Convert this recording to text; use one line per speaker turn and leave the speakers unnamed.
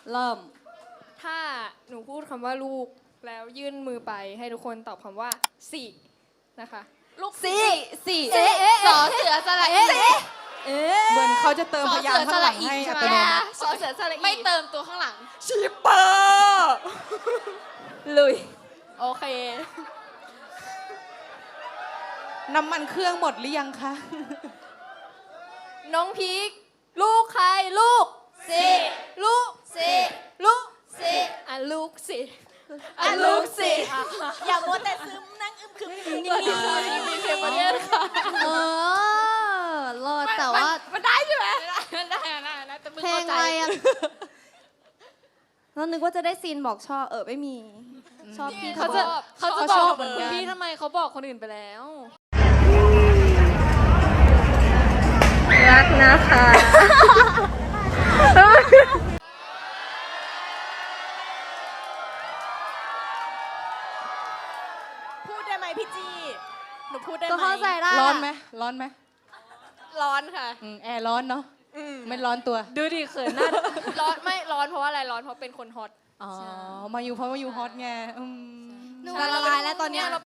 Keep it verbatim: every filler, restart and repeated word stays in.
เริ่ม
ถ้าหนูพูดคำว่าลูกแล้วยื่นมือไปให้ทุกคนตอบคำว่าสี่นะคะ
ลูกสี่สี่
สอเสือสระอี
เอ๊ะ
เหมือนเขาจะเติมพยางค์ข้างหลังให้อัตโนมัติ
สอเสือสระอี
ไม่เติมตัวข้างหลัง
ชิปเปอร์
ลุย
โอเค
น้ำมันเครื่องหมดหรือยังคะ
น้องพีคลูกใครลูกสี่ลูกสี่ลูกสี่อ่ะลูกสี่อ่ะลูกสี่
อย่ามัวแต่ซึมนั่งอึมครึมนิ่ง
มีเพลงประเทศค่ะ
ๆเออรอดแต่ว่า
มันได้ใช่ไหมมันได้ได้ได้แต่มึง
เพล
เข้าง ใจ
อะไรอ่ะเรานึกว่าจะได้ซีนบอกชอบเออไม่มี ชอบพี่
เขา
เขา
จะ
บอก
เขาจะ
เขา
บ
ช
อ
อก บเหมือนกัน
คุณพี่ทำไมเขาบอกคนอื่นไปแล้ว
รักนะคะ
พูดได้ไหมพี่จีหนูพูดได้ไหม
ก็เข้าใจได้
ร้อนไหมร้อนไหม
ร้อนค่ะ
อืมแอร์ร้อนเนาะไม่ร้อนตัว
ดูดิเขินหน้าร้อนไม่ร้อนเพราะว่าอะไรร้อนเพราะเป็นคนฮอต
อ๋อ มาอยู่เพราะมาอยู่ฮอตไงอืม
หนูละลายแล้วตอนเนี้ย
เรา